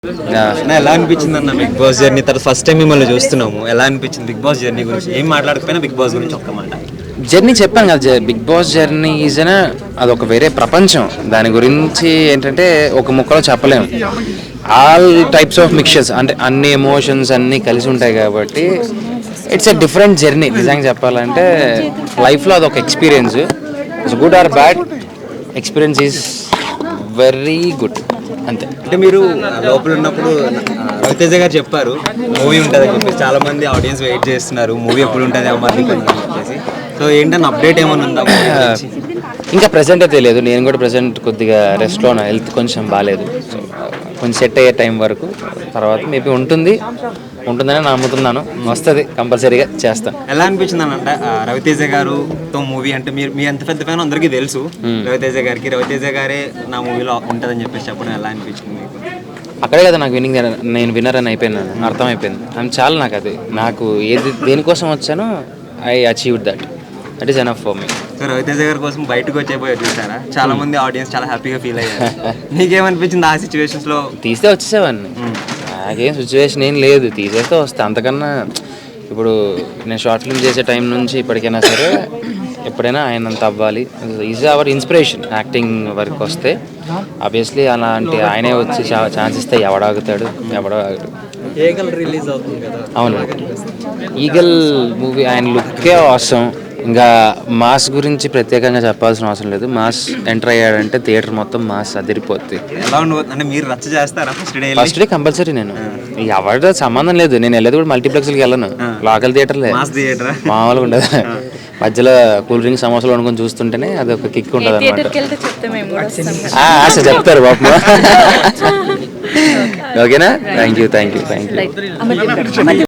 ఎలా అనిపించింది అన్న బిగ్ బాస్ జర్నీ? తర్వాత ఫస్ట్ టైం మిమ్మల్ని చూస్తున్నాము, ఎలా అనిపించింది బిగ్ బాస్ జర్నీ గురించి? ఏం మాట్లాడకపోయినా బిగ్ బాస్ గురించి ఒక్క మాట. జర్నీ చెప్పాను కదా, బిగ్ బాస్ జర్నీ ఈజ్ అదొక వేరే ప్రపంచం. దాని గురించి ఏంటంటే ఒక ముక్కలో చెప్పలేము. ఆల్ టైప్స్ ఆఫ్ మిక్చర్స్, అంటే అన్ని ఎమోషన్స్ అన్నీ కలిసి ఉంటాయి కాబట్టి ఇట్స్ ఎ డిఫరెంట్ జర్నీ. నిజంగా చెప్పాలంటే లైఫ్లో అదొక experience. It's good or bad, experience is very good అంతే. అంటే మీరు లోపల ఉన్నప్పుడు రవితేజ గారు చెప్పారు మూవీ ఉంటుంది అని చెప్పేసి, చాలా మంది ఆడియన్స్ వెయిట్ చేస్తున్నారు మూవీ ఎప్పుడు ఉంటుంది అమ్మాయి అని చెప్పేసి. సో ఏంటన్నా అప్డేట్ ఏమైనా ఉందా? ఇంకా ప్రెసెంట్ అయితే లేదు. నేను కూడా ప్రెసెంట్ కొద్దిగా రెస్ట్లో ఉన్నా, హెల్త్ కొంచెం బాగాలేదు. సో కొంచెం సెట్ అయ్యే టైం వరకు, తర్వాత మేబీ ఉంటుందని నమ్ముతున్నాను. వస్తుంది, కంపల్సరీగా చేస్తాను. ఎలా అనిపించింది అని అంటే రవితేజ గారుతో మూవీ అంటే మీ ఎంత పెద్ద ఫ్యాన్ అందరికీ తెలుసు. రవితేజ రవితేజ గారే నా మూవీలో ఉంటుందని చెప్పేసి చెప్పడం ఎలా అనిపించింది మీకు? అక్కడే కదా నాకు నేను విన్నర్ అని అయిపోయినాను, అర్థమైపోయింది. అది చాలా నాకు ఏది దేనికోసం వచ్చానో I achieved that is enough for me. So Ravi Teja గారి కోసం బయటకు వచ్చేపోయి చూసారా? చాలా మంది ఆడియన్స్ చాలా హ్యాపీగా ఫీల్ అయ్యారు. నీకేమనిపించింది ఆ సిచ్యువేషన్స్ లో? తీస్తే వచ్చేసేవాడిని, నాకేం సిచ్యువేషన్ ఏం లేదు, తీసేస్తే వస్తే. అంతకన్నా ఇప్పుడు నేను షార్ట్ ఫిల్మ్ చేసే టైం నుంచి ఇప్పటికైనా సరే ఎప్పుడైనా ఆయనంత అవ్వాలి. Is our inspiration. యాక్టింగ్ వరకు వస్తే ఆబ్వియస్లీ అలాంటి ఆయనే వచ్చి ఛాన్స్ ఇస్తే ఎవడాగుతాడు? ఈగల్ రిలీజ్ అవుతుంది కదా. అవును, ఈగల్ మూవీ ఆయన లుక్కే అవసరం. ఇంకా మాస్ గురించి ప్రత్యేకంగా చెప్పాల్సిన అవసరం లేదు. మాస్ ఎంటర్ అయ్యాడంటే థియేటర్ మొత్తం మాస్ అదిరిపోద్ది. ఎలా ఉండబోతుంది అంటే మీరు రచ్చ చేస్తారా ఫస్ట్ డే కంపల్సరీ. నేను ఎవరితో సంబంధం లేదు, నేను వెళ్ళేది కూడా మల్టీప్లెక్స్కి వెళ్ళను, లోకల్ థియేటర్లే. మామూలుగా ఉండదు. మధ్యలో కూల్ డ్రింక్ సమోసాలు వండుకొని చూస్తుంటేనే అది ఒక కిక్ ఉంటుంది అనమాట. చెప్తారు బాబు. ఓకేనా? Thank you.